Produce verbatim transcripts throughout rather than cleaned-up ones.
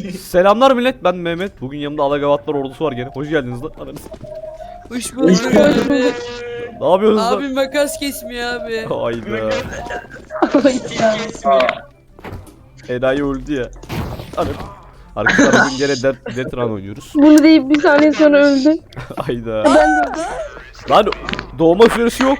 Selamlar millet, ben Mehmet. Bugün yanımda Alagavatlar ordusu var gene. Hoş geldiniz lan. Ananız. Hoş bulduk abi. Ne yapıyorsunuz lan? Abi makas kesmiyor abi. Hayda. Kesmiyor. Enayi öldü ya. Anam. Arkadaşlar bugün gene Death, Death Run oynuyoruz. Bunu deyip bir saniye sonra öldü. Hayda. Ben de Lan doğma süresi yok.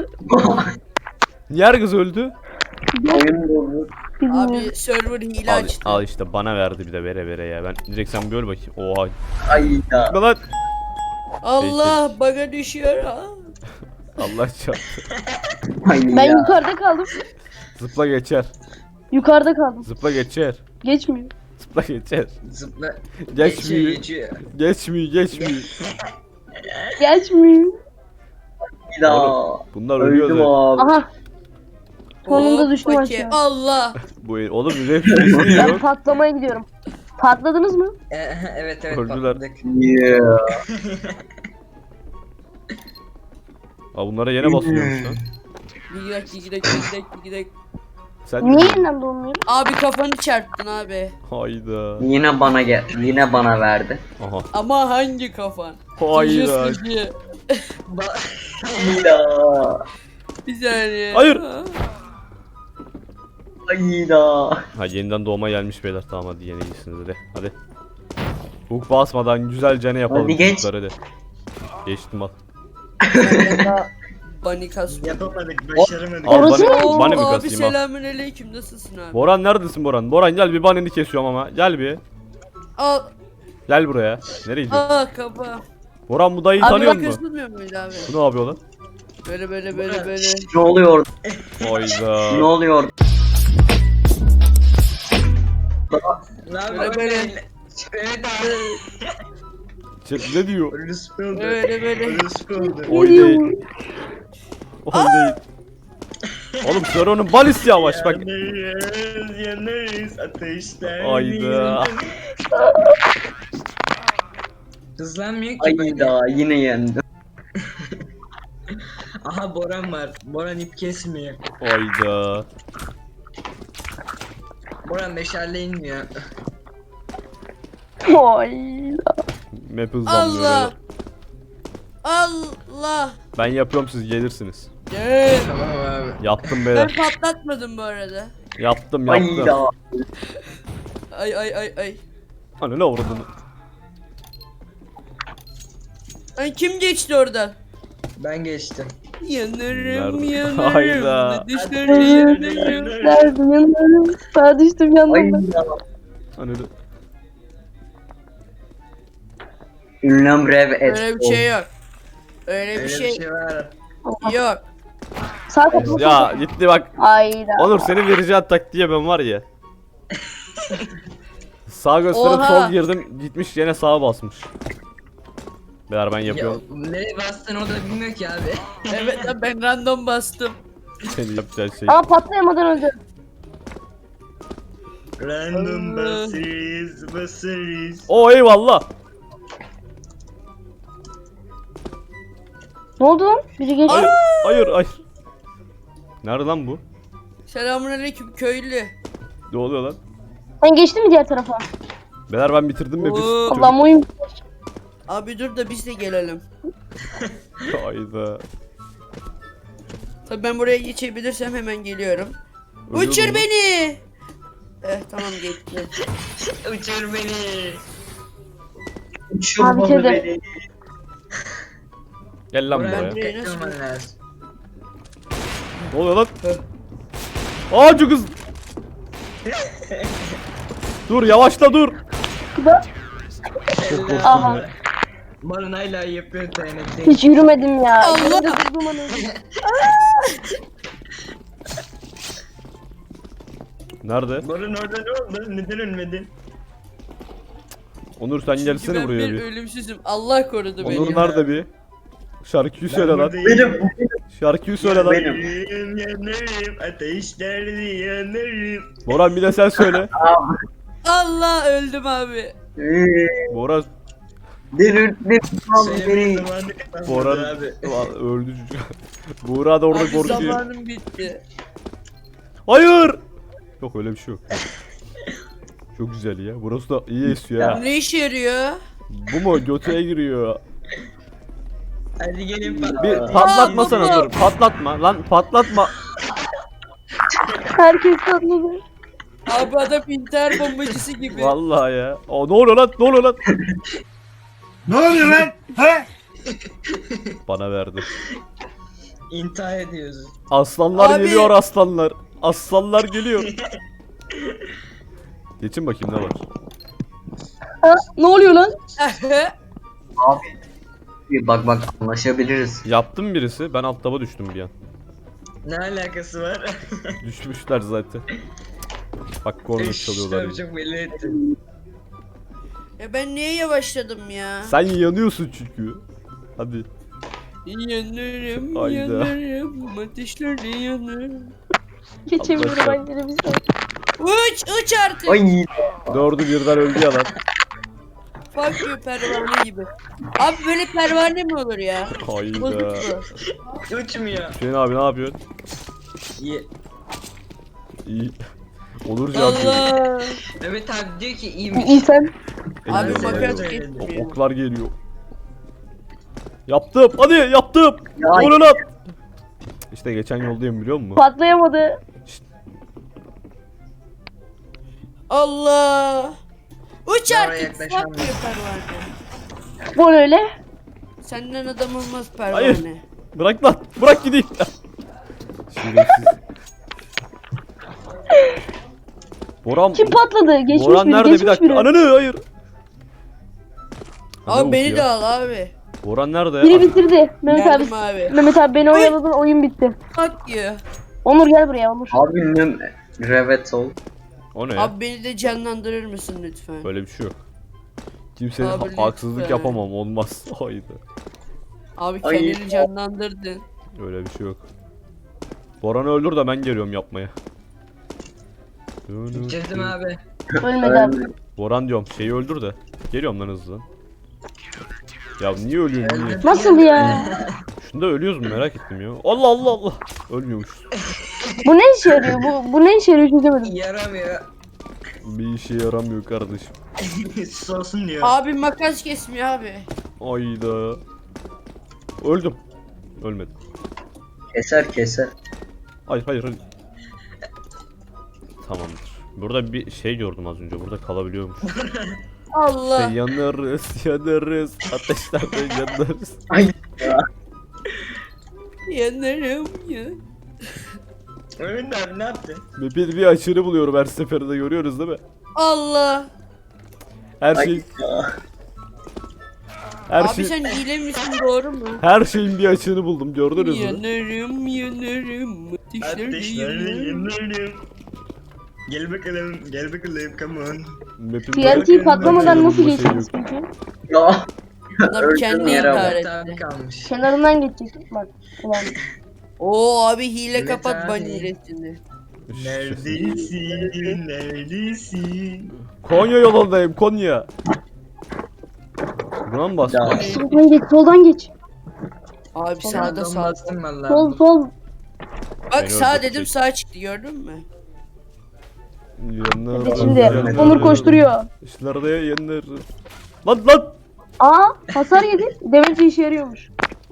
Niye herkes öldü? Oyun bozdu. bilmiyorum. Abi server hile Al, açtı. al işte bana verdi bir de vere vere ya. Ben direkt sen bir öl bakayım. Oha. Ayda. Ne lan? Allah baga düşüyor ha. Allah çarptı. Ayda. Ben yukarıda kaldım. Zıpla geçer. Yukarıda kaldım. Zıpla geçer. Geçmiyor. Zıpla geçer. Zıpla. Geçmiyor. Geçiyor. Geçmiyor, geçmiyor. Geçmiyor. Ayda. Oğlum, bunlar ölüyor Öldüm zaten. abi. Aha. Sonunda Hop, düştüm paki. aşağı. Allah. Bu oğlum rap süresi niye Ben yok? patlamaya gidiyorum. Patladınız mı? Ee, evet evet Öldüler. patladık. Yeah. Aa bunlara yine basıyormuş lan. Gidek gidek gidek gidek. Sen Niye de yeniden doğmuyor? Abi kafanı çarptın abi. Hayda. Yine bana gel. Yine bana verdi. Aha. Ama hangi kafan? Hayda. Sıcı. Ayda. Bir saniye. Hayır. Ayda. Ha yeniden doğma gelmiş beyler. Tamam hadi yine iyisiniz hadi. Hadi. Hook basmadan güzelce ne yapalım Hadi geç. çocuklar, hadi. Geçtim al. Bani kas. Yapamadık, başaramadık. Al Orası bana, Oo, bana mı abi kasayım al. selamünaleyküm nasılsın abi? Boran neredesin Boran? Boran gel bir baneni kesiyorum ama. Gel bir. Al Gel buraya. Nereye gidiyorsun? al kafa. Boran bu dayıyı Abi tanıyor bak musun? kasılmıyor muydu abi? Bu ne yapıyor lan? Böyle böyle böyle böyle. Ne oluyor? Ne Hayda. oluyor? Ne Böyle yapıyorsun? böyle. Evet abi. Chat ne diyor? Orospu oldu. Böyle böyle. Orospu oldu. Oy değil. Oy değil. Oğlum Sero'nun balisi yavaş bak. Yanarız, yanarız ateşler. Hayda. Hızlanmıyor ki böyle. Ayda yine yendim. Aha Boran var. Boran ip kesmiyor. Hayda. Boran meşale inmiyor. Oy. Map hızlanmıyor Allah. beyler. Allah. Ben yapıyorum siz gelirsiniz. Gel. Tamam abi. Yaptım Ben beyler. patlatmadım bu arada. Yaptım Ayda. yaptım. Ay ay ay ay. Hani ne vurdun? Ay kim geçti oradan? Ben geçtim. Yanarım Nerede? yanarım. Hayda. Düşler yanarım. Derdim yanlarım. Sağa düştüm yanlarına. Ayda. Hani de- Ünlem rev et. Öyle bir şey yok. Öyle bir Öyle şey bir şey var. yok. Sağ kapı. Ya gitti bak. Ayda. Onur senin vereceğin taktiğe ben var ya. Sağ gösterip Oha. sol girdim gitmiş yine sağa basmış. Beyler ben Ya, yapıyorum. nereye bastın o da bilmiyor ki abi. Evet lan ben random bastım. Senin yapacağın şey. Ama patlayamadan öldü. Random Allah. basarız, basarız. Oo eyvallah. Ne oldu lan? Biri geçti. Hayır hayır hayır. Nerede lan bu? Selamünaleyküm köylü. Ne oluyor lan? Sen geçtin mi diğer tarafa? Beyler ben bitirdim mi? Oo. Biz... Allah'ım oyun. Abi dur da biz de gelelim. Hayda. Tabii ben buraya geçebilirsem hemen geliyorum. Ölüyorum Uçur lan. beni. Eh tamam geçti. Uçur beni. Abi kedi. Gel lan Boran buraya. buraya. dikkatli olman lazım. Ne oluyor lan? Aa çok hızlı. Dur yavaşla dur. Çok korktum Aha. ya. Boran hala yapıyor T N T. Hiç yürümedim ya. Allah. Önümde durdum an öldüm. Nerede? Boran orada ne oldu? Neden ölmedin? Onur sen Çünkü gelsene ben buraya bir bir. ölümsüzüm. Allah korudu beni. Onur nerede bir? Şarkıyı söyle lan. Benim. Şarkıyı söyle lan. Benim. Yanarım, yanarım, ateşlerde yanarım. Boran bir de sen söyle. Allah öldüm abi. Boran. Delirttin beni. Söylemenin zamanı kalmadı Boran abi. Ulan öldü çocuk. Buğra da orada Abi korkuyor. zamanım bitti. Hayır. Yok öyle bir şey yok. Çok güzel ya. Burası da iyi esiyor ha. Ne işe yarıyor? Bu mu? Götüye giriyor. Hadi gelin patlat. Bir patlatmasana Aa, dur. Patlatma lan patlatma. Herkes tatlıdı. Abi adam intihar bombacısı gibi. Vallahi ya. Aa, ne oluyor lan? Ne oluyor lan? Ne oluyor lan? He? Bana verdi. İntihar ediyoruz. Aslanlar Abi. geliyor aslanlar. Aslanlar geliyor. Geçin bakayım ne var. Ha, ne oluyor lan? Abi. Bir bak bak anlaşabiliriz. Yaptım birisi. Ben alt taba düştüm bir an. Ne alakası var? Düşmüşler zaten. Bak korna çalıyorlar. Tabii yine. çok belli ettin. Ya ben niye yavaşladım ya? Sen yanıyorsun çünkü. Hadi. Yanarım, Hayda. yanarım, ateşlerde yanarım. Geçemiyorum Allah ben yine bir saat. Uç, uç artık. Ay. Dördü birden öldü ya lan. Fuck you pervane gibi. Abi böyle pervane mi olur ya? Hayda. Bozuk bu. Uçmuyor. Hüseyin abi ne yapıyorsun? Ye. İyi. Olur canım. Allah. Evet abi diyor ki iyiymiş. İnsan. Abi Eline makas sağlık. geçmiyor. Oklar geliyor. Yaptım. Hadi yaptım. Ya. Onu lan. İşte geçen yoldayım biliyor musun? Patlayamadı. Allah. Uç Oraya artık. yaklaşamıyorum. Fuck you pervane. Bu öyle. Senden adam olmaz pervane. Hayır. Bırak lan. Bırak gideyim. Şerefsiz. Boran. Kim patladı? Geçmiş Boran biri, nerede geçmiş bir dakika? biri. Ananı hayır. Abi Ne beni okuyor? de al abi. Boran nerede Biri ya? bitirdi. Mehmet abi. Geldim abi. Mehmet abi beni oyaladın, oyun bitti. Fuck you. Onur gel buraya Onur. Abi ünlem revet ol. O ne ya? Abi beni de canlandırır mısın lütfen? Böyle bir şey yok. Kimsenin Abi ha- haksızlık lütfen. yapamam olmaz. Haydi. Abi Ay. kendini canlandırdın. Öyle bir şey yok. Boran'ı öldür de ben geliyorum yapmaya. Bitirdim abi. Ölmedi abi. Boran diyorum şeyi öldür de. Geliyorum lan hızlı. Ya niye ölüyorsun niye? Nasıl ya? Şunda ölüyoruz mu merak ettim ya. Allah Allah Allah. Ölmüyormuşuz. Bu ne işe yarıyor? Bu, bu ne işe yarıyor çözemedim. Yaramıyor. Bir işe yaramıyor kardeşim. Sus olsun diyor. Abi makas kesmiyor abi. Ayda. Öldüm. Ölmedim. Keser keser. Hayır hayır hayır. Tamamdır. Burada bir şey gördüm az önce. Burada kalabiliyormuş. Allah. İşte yanarız, yanarız. Ateşlerde yanarız. Ay. Yanarım ya. Ömür abi ne yaptın? Bir, bir açığını buluyorum her seferinde görüyoruz değil mi? Allah. Her Ay. şey her Abi şey sen hile misin doğru mu? her şeyin bir açığını buldum gördünüz mü? Yanarım yanarım. Ateşlerde Ateşlerde yanarım. yanarım. Gel bakalım, gel bakalım, come on. Map'in T N T patlamadan nasıl Bakıyorum, bu şey geçeceğiz peki? Ya. Adam Öldüm kendi yere intihar bak. etti. Tabi kalmış. Kenarından geçecek. Bak. Ulan. Oo abi hile Evet kapat abi. ban hilesini. Neredesin, neredesin? Konya yolundayım Konya. Buna mı bastın? Ya. Soldan geç, soldan geç. Abi sağda Sağdan sağ. bastım valla. Sol sol. Bak Beni sağ öldürecek. dedim sağ çıktı gördün mü? Yanarız, Hadi şimdi yanarız. Onur koşturuyor. İşlerde yanarız. Lan lan. Aa hasar yedi. Demek ki işe yarıyormuş.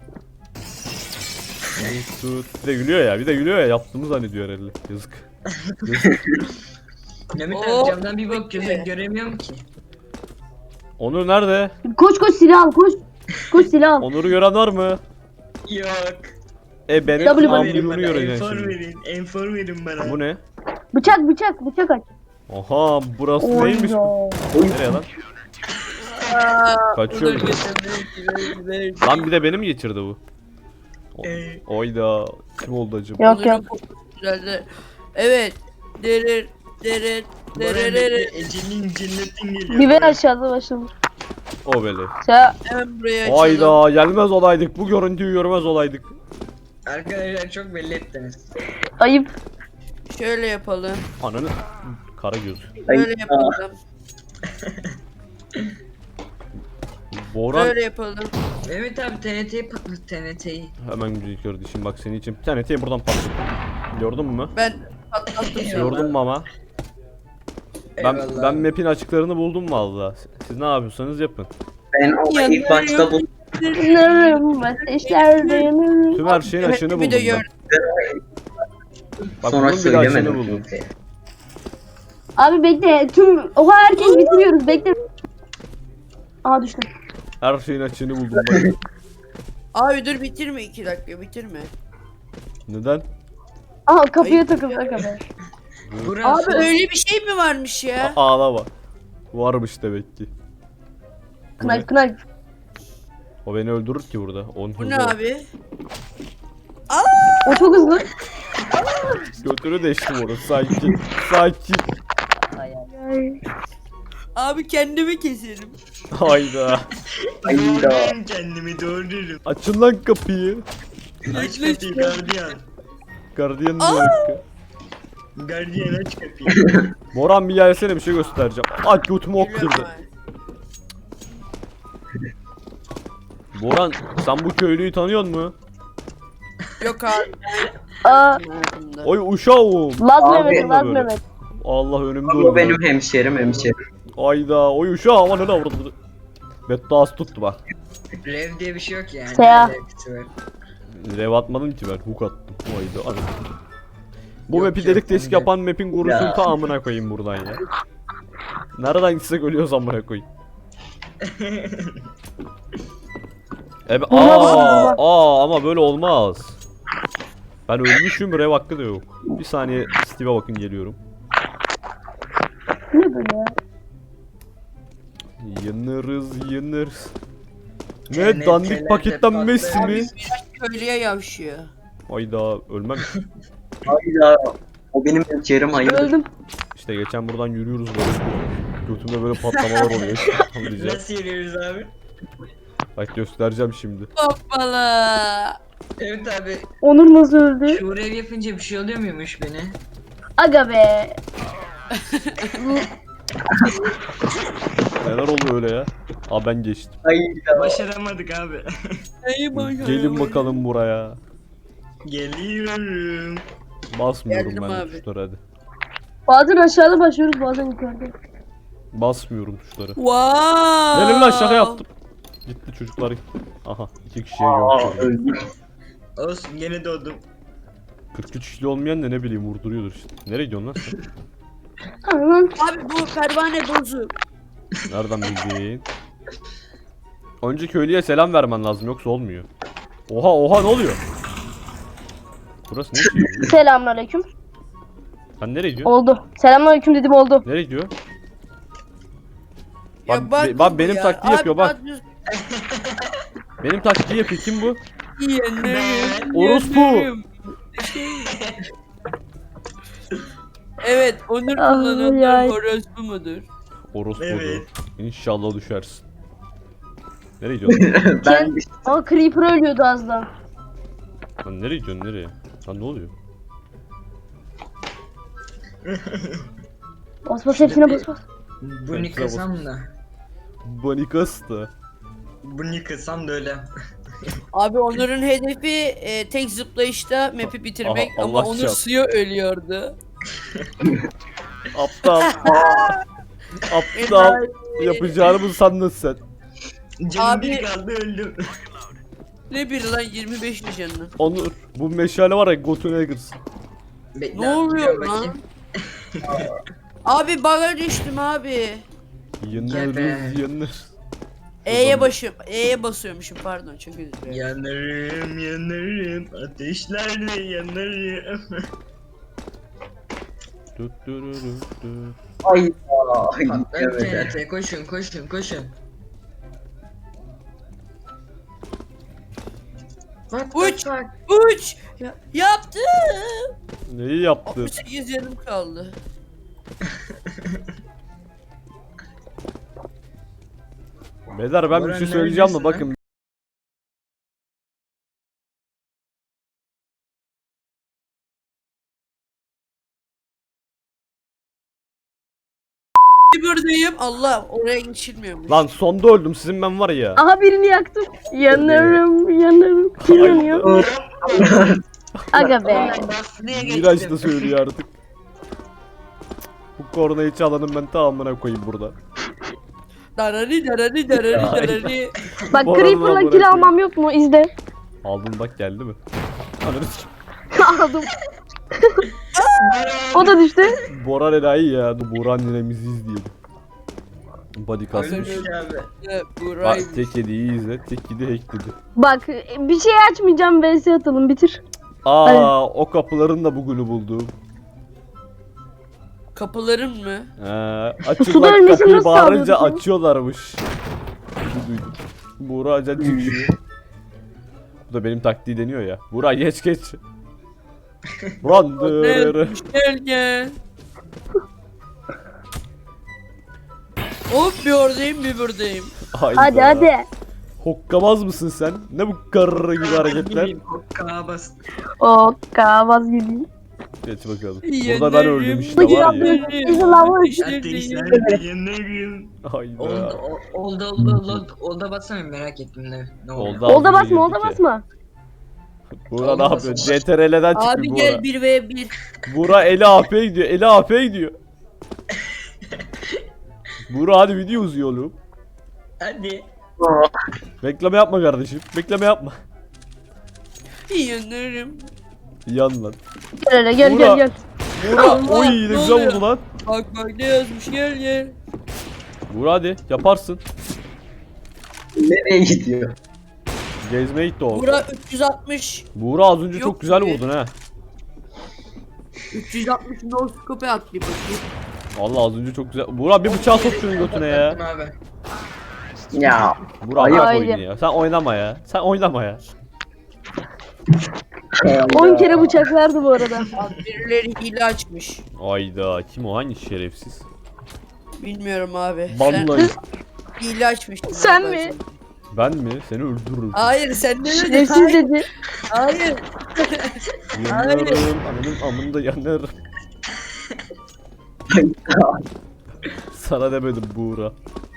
Tut. Bir de gülüyor ya bir de gülüyor ya yaptığımı zannediyor herhalde. Yazık. Yazık. Mehmet Oo. abi camdan bir bak göze göremiyorum ki. Onur nerede? Koş koş silah al koş. Koş silah al. Onur'u gören var mı? Yok. E benim W Enfor verin ambulunu bana, göreceksin enfor şimdi. verin, enfor verin bana. Bu ne? Bıçak bıçak bıçak aç. Aha burası neymiş? Oyda. Nereye lan? Kaçıyor. Lan bir de beni mi geçirdi bu? O- Ee. Oyda. Kim oldu acaba? Yok yok. Güzeldi. Evet. Derir derir Bora derir bekle, derir. Ecelin cennetin geliyor. Biber Bora. aşağıda başlamış. O böyle. Ya Hemen buraya açalım. Hayda gelmez olaydık. Bu görüntüyü görmez olaydık. Arkadaşlar çok belli ettiniz. ayıp. Şöyle yapalım. Ananı kara göz. Ay. Böyle yapalım. Boran Böyle yapalım. Mehmet abi T N T'yi patlat T N T'yi. hemen güzel kardeşim bak senin için bir tane tane buradan patladı. Gördün mü? Ben patlattım sonra. Gördün mü ama? Ben Eyvallah ben abi. map'in açıklarını buldum valla. Siz ne yapıyorsanız yapın. Ben onu ilk başta bu Yanarım ateşlerde yanarım. Tüm her şeyin açığını Bir de buldum ben. gör- Bak sonra bunun bile açığını söylemedim buldum. kimseye. Abi bekle tüm oha herkes bitiriyoruz bekle. Aa düştüm. Her şeyin açığını buldum ben. Abi dur bitirme iki dakika bitirme. Neden? Aha kapıya takıldı aga. Burası Abi öyle bir şey mi varmış ya? A- ağlama. Varmış demek ki. Bu ne? Knife knife. O beni öldürür ki burada. Onun Bu hızı ne var. abi? O çok hızlı. Götünü deştim onu. Sakin. Sakin. Abi kendimi keserim. Hayda. Hayda. Ben kendimi doğururum. Açın lan kapıyı. Aç kapıyı gardiyan. Gardiyan diyor ki. Gardiyan aç kapıyı. Moran bir gelsene bir şey göstereceğim. Aç götümü ok Geliyorum kırdı. abi. Boran sen bu köylüyü tanıyor musun? Yok abi. Aa hayatımda. Oy uşağım. Laz Abi, Mehmet Laz böyle. Mehmet. Allah önümde Bu öldü. benim hemşerim hemşerim. Ayda oy uşağım ananı avradı. Bedduası tuttu bak. Rev diye bir şey yok yani. Seha. Ne alakası var? Rev atmadım ki ben hook attım. Ayda ananı. Bu Yok, map'i yok, delik deşik ondan. yapan map'in kurusunu Ya. ta amına koyayım buradan ya. Nereden gitsek ölüyoruz amına koyayım. Ebe aa, aa ama böyle olmaz. Ben ölmüşüm rev hakkı da yok. Bir saniye Steve'e bakın geliyorum. Ne böyle ya? Yanarız yanarız. Ne Cennet dandik cennet paketten patlar. Messi mi? Köylüye yavşıyor. Ayda ölmem. Hayda. O benim hemşerim hayır. Öldüm. İşte geçen buradan yürüyoruz böyle. Götümde böyle patlamalar oluyor. Anlayacağım. Nasıl yürüyoruz abi? Bak göstereceğim şimdi. Hoppala. Evet abi. Onur nasıl öldü? Şu rev yapınca bir şey oluyor muymuş beni? Aga be. Neler oluyor öyle ya? Aa ben geçtim. Hayda. Başaramadık abi. Neyi başaramadım? Gelin bakalım buraya. Geliyorum. Basmıyorum Geldim ben abi. tuşlara hadi. Bazen aşağıda başlıyoruz bazen yukarıda. Basmıyorum tuşlara. Wow. Gelin lan şaka yaptım. Gitti çocuklar. Aha iki kişiye Aa, yok. öldüm. Olsun gene doğdum. kırk üç kişi olmayan da ne bileyim vurduruyordur işte. Nereye gidiyorsun lan sen? Aman. Abi bu pervane bozuk. Nereden bildin? Önce köylüye selam vermen lazım yoksa olmuyor. Oha oha ne oluyor? Burası ne şey? Selamünaleyküm. Sen nereye gidiyorsun? Oldu. Selamünaleyküm dedim oldu. Nereye gidiyor? Ya Bak, be- bak bu benim ya. taktiği Abi yapıyor, bak. bak düz- Benim taktiği yapıyor kim bu? Yenerim, Orospu. yenerim. Evet, Onur Ah, kullananlar yay. orospu mudur? Orospu'dur. Evet. İnşallah düşersin. Nereye gidiyorsun? Ben Aa Creeper ölüyordu az daha. Lan nereye gidiyorsun nereye? Lan ne oluyor? Bas bas hepsine bas bas. Bunu yıkasam da. Banikasta. Bunu yıkasam da öyle. Abi Onur'un hedefi e, tek zıplayışta map'i bitirmek Aha, ama Allah Onur çarpsın. suya ölüyordu. Aptal. Aptal. Yapacağını mı sandın sen? Canım Abi- bir kaldı öldüm. Ne bir lan yirmi beş canını. Onur bu meşale var ya götüne girsin. Bekle, Ne oluyor gidiyorum lan? bakayım. Abi bug'a düştüm abi. Yanarız Gebe. yanarız. E'ye başım. E'ye basıyormuşum pardon çok özür dilerim. Yanarım yanarım ateşlerde yanarım. Tut tururu tut. hayda. Patlar Evet. cennete koşun koşun koşun. Bak Uç. bak bak. Uç. Ya, yaptım. Neyi yaptın? altmış sekiz yanım kaldı. Beyler ben bir Boran şey söyleyeceğim de neredesin bakın. Buradayım. Allah oraya geçilmiyormuş. Lan sonda öldüm sizin ben var ya. Aha birini yaktım. Yanarım yanarım. Kim yanıyor? Aga be. Ulan Basri'ye Miraç da geçtim. söylüyor artık. Bu kornayı çalanın ben tamamına koyayım burada. Darari darari darari darari. Bak Bu arada Creeper'la bırak kill ya. almam yok mu? İzle. Aldın bak geldi mi? Ananı s- Aldım. O da düştü. Boran enayi ya. Dur Boran ninemizi izleyelim. Body kasmış. Öyle bir şey abi. Buray. Bak tek yediği izle. Tek yedi hackledi. Bak bir şey açmayacağım. V S atalım bitir. Aa o kapıların da bugünü buldum. Kapıların mı? Ee, Suda açın bak ölmesini kapıyı nasıl bağırınca sağlıyorsun? açıyorlarmış. Bir duydum. Buğra acan çıkıyor. Bu da benim taktiği deniyor ya. Buğra geç geç. Randırırı. Gel gel. Hop bir oradayım bir buradayım. Hayda. Hadi hadi. Hokkamaz mısın sen? Ne bu karı gibi hareketler? Kağa bas. O kavaz gibi. Geç bakalım. Yenerim. Burada ben öldüm işte Bugün var ya. yaptığım- İzle lan bu. Ateşler de yanarım. Hayda. Oldu, o- oldu, oldu, oldu, oldu bassana merak ettim ne, ne oldu. Oldu. Olda Az önce basma olda girdik ya. basma. Buğra ne yapıyor? C T R L'den çıktı Abi Buğra. gel bir ve bir. Buğra eli A P gidiyor. Eli A P gidiyor. Buğra hadi video uzuyor oğlum. Hadi. Bekleme yapma kardeşim. Bekleme yapma. Yanarım. Yan lan. Gel hele gel Buğra. gel gel. Buğra Allah, oy ne ne güzel oluyor? vurdu lan. Bak bak ne yazmış gel gel. Buğra hadi yaparsın. Nereye gidiyor? Gezmeye gitti o. Bura üç yüz altmış. Buğra az önce Yok çok güzel gibi. vurdun ha. üç yüz altmış no scope at bir bakayım. Allah az önce çok güzel. Buğra bir bıçağı sok şunun götüne ya. Abi. Ya. Buğra Hayır. bırak Hayır. oyunu ya. Sen oynama ya. Sen oynama ya. on kere bıçaklardı bu arada. Abi birileri hile açmış. Ayda kim o hangi şerefsiz? Bilmiyorum abi. Vallahi Sen hile açmıştın. Sen abi. mi? ben mi? Seni öldürürüm. Hayır sen ne dedin? Şerefsiz Hayır. dedi. Hayır. Yanarım. Ananın amında yanarım. Sana demedim Buğra.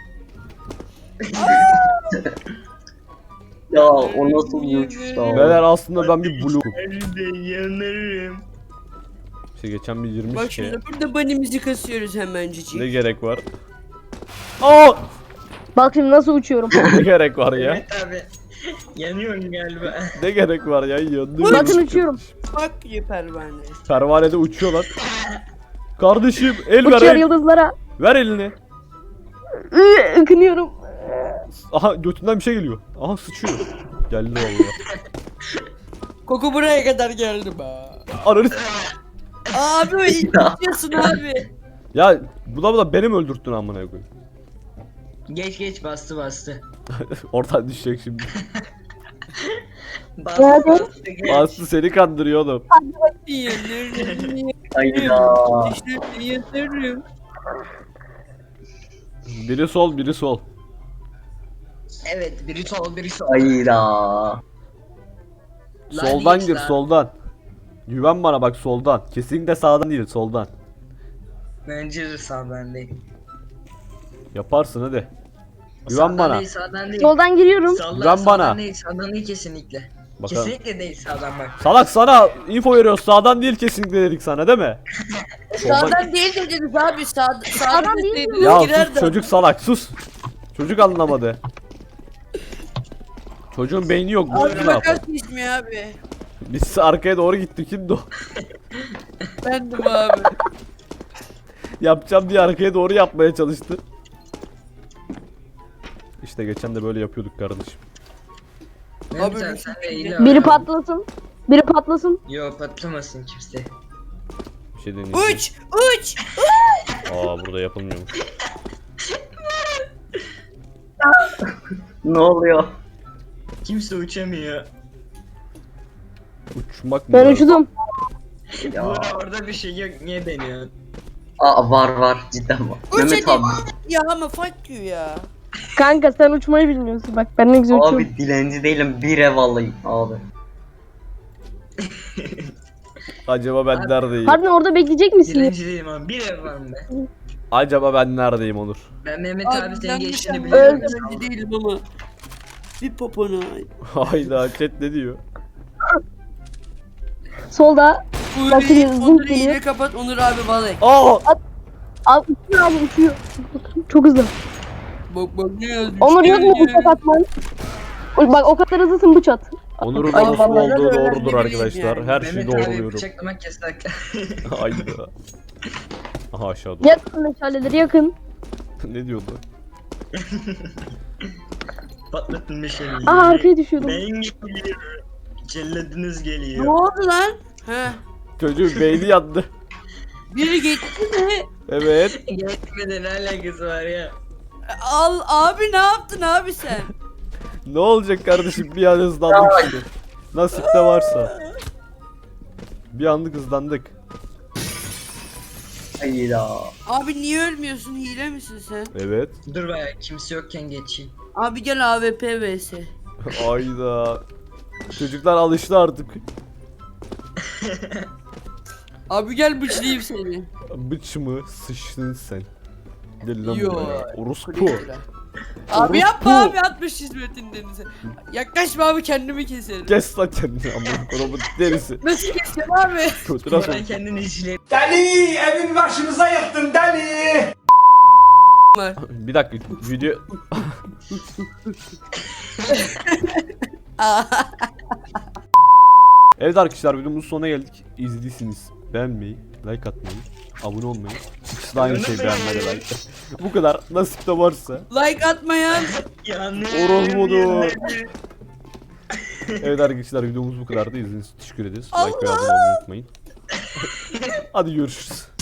Ya o nasıl bir uçuş ya? Beyler aslında ben bir blokum. Hadi yanarım. İşte geçen bir yirmi Bak şey. şimdi burada bunny'mizi kasıyoruz hemencecik. Ne gerek var? Aa! Bak şimdi nasıl uçuyorum. Ne gerek var ya? Evet abi. Yanıyorum galiba. Ne gerek var ya? Yandım. Bakın uçuyorum. Bak you pervane. Pervanede uçuyor lan. Kardeşim el ver Uçuyor el. yıldızlara. Ver elini. Iı, Ikınıyorum. Aha götünden bir şey geliyor. Aha sıçıyor. Geldi vallahi. Koku buraya kadar geldi be. Ananı Abi itiyorsun abi. Ya bu da bu da benim öldürttün amına koyayım. Geç geç bastı bastı. Oradan düşecek şimdi. Bastı Nerede? bastı geç. Aslı seni kandırıyor oğlum. Yanarım. Hayda. İşte yanarım. Biri sol biri sol. Evet biri sol biri sol. Hayda. Soldan geç gir lan. soldan. Güven bana bak soldan. Kesinlikle sağdan değil soldan. Bence de sağdan değil. Yaparsın hadi. Güven Sağdan bana. değil sağdan değil. Soldan giriyorum. Sağdan, Güven sağdan bana. değil sağdan değil kesinlikle. Bakalım. Kesinlikle değil sağdan bak. Salak sana info veriyoruz. Sağdan değil kesinlikle dedik sana değil mi? Sağdan değil dediniz abi. Sağ, sağdan değil deseydiniz Ya girerdi. sus çocuk salak sus. Çocuk anlamadı. Çocuğun beyni yok. Bu Abi ne yapar? makas ismi abi. Biz arkaya doğru gittik kimdi o? Bendim abi. Yapacağım diye arkaya doğru yapmaya çalıştı. İşte geçen de böyle yapıyorduk kardeşim. Ne Abi, güzel bir sen şey de değil. iyi Biri abi. patlasın. Biri patlasın. Yo patlamasın kimse. Bir şey deneyeceğim. Uç! Uç! Aa burada yapılmıyormuş. Ne oluyor? Kimse uçamıyor. Uçmak mı? Ben var? uçudum. Ya. Burada orada bir şey yok niye deniyorsun? Aa var var cidden var. Uç Mehmet hadi. abi. Ya ama fuck you ya. Kanka sen uçmayı bilmiyorsun. Bak ben ne güzel uçuyorum. Abi dilenci değilim bir ev alayım abi. Acaba ben neredeyim? Harbiden orada bekleyecek misin? Dilenci değilim abi bir ev var mı be? Acaba ben neredeyim Onur? Ben Mehmet abi, Abi senin ben geçtiğini bir biliyorum. öğrenci değilim ama. Bir popona. Hayda chat ne diyor? Solda. Bakın, Onur'u zınk Onur'u geliyor. yine kapat Onur abi balık. Aa! Abi uçuyor abi uçuyor. Çok hızlı. Bak bak ne yazıyor. Onur yok mu bıçak atman? Bak o kadar hızlısın bıç at. Onur'un Ay, orospu vallahi olduğu öyle doğrudur bileyim arkadaşlar. yani. Her şeyi Mehmet abi doğruluyorum. bıçaklamak yasak. Hayda. Aha aşağıda. Yakın meşaleleri yakın. Ne diyordu? Patlatın meşaleyi. Aa arkaya düşüyordum. Ben geliyorum. Celladınız Ne geliyor. oldu lan? He. Çocuğun beyni yandı. Biri gitti mi? Evet. Geçmeden ne alakası var ya? Al abi ne yaptın abi sen? Ne olacak kardeşim, bir an hızlandık işte. Nasipte varsa. Bir anlık hızlandık. Hayda. Abi niye ölmüyorsun? Hile misin sen? Evet. Dur be kimse yokken geçeyim. Abi gel A W P vs. Ayda. Çocuklar alıştı artık. Abi gel bıçlayayım seni. Bıç mı? Sıçtın sen. Gel lan Yo. buraya. Orospu. Abi yapma Orospu. abi atmış hizmetin denize. Yaklaşma abi kendimi keserim. Kes lan kendini amına kodumun derisi. Nasıl keseceğim abi? Kötü nasıl? Ben kendini izle. Deli evin başımıza yıktın deli. Bir dakika video Evet arkadaşlar, videomuzun sonuna geldik. İzlediyseniz beğenmeyi, like atmayı, abone olmayı, ikisi de aynı şey, beğenmeyi, like. Bu kadar, nasipte varsa. Like atmayan. Yanıyorum. Orospu'dur. Evet arkadaşlar, videomuz bu kadardı. İzlediğiniz için teşekkür ederiz. Like ve abone olmayı unutmayın. Hadi görüşürüz.